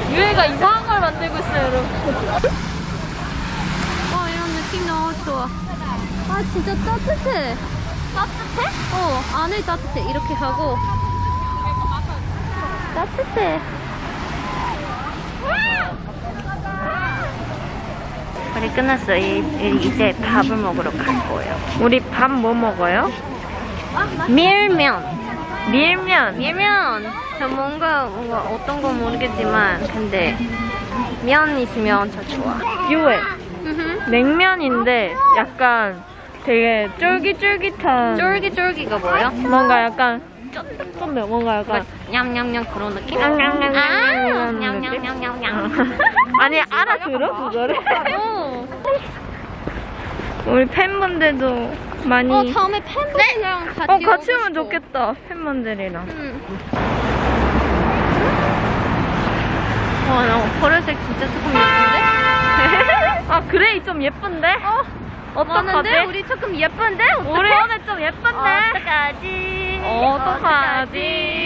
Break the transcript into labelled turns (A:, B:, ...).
A: 유해가 이상한 걸 만들고 있어요, 여러분.
B: 이런 느낌 너무 좋아. 아, 진짜 따뜻해. 따뜻해? 안에 따뜻해. 이렇게 하고. 따뜻해.
C: 우리 끝났어. 이제 밥을 먹으러 갈 거예요. 우리 밥 뭐 먹어요? 밀면. 밀면. 저 뭔가 어떤 건 모르겠지만 근데 면 있으면 저 좋아.
A: 유해. 냉면인데 약간 되게 쫄깃쫄깃한.
C: 쫄깃쫄깃가 뭐예요?
A: 뭔가 약간 쫀득쫀득. 뭔가 약간.
C: 냠냠냠 그런 느낌?
A: 냠냠냠냠냠냠냠. 아니, 알아들어? 그거를? 우리 팬분들도 많이.
B: 다음에 팬분들이랑 같이
A: 같이 오면 좋겠다. 팬분들이랑.
C: 와, 나 보라색 진짜 조금 예쁜데?
A: 아, 그레이 좀 예쁜데? 어떡하지?
C: 맞는데? 우리 조금 예쁜데?
A: 우리 오늘 좀 예쁜데?
C: 어떡하지?
A: 어떡하지?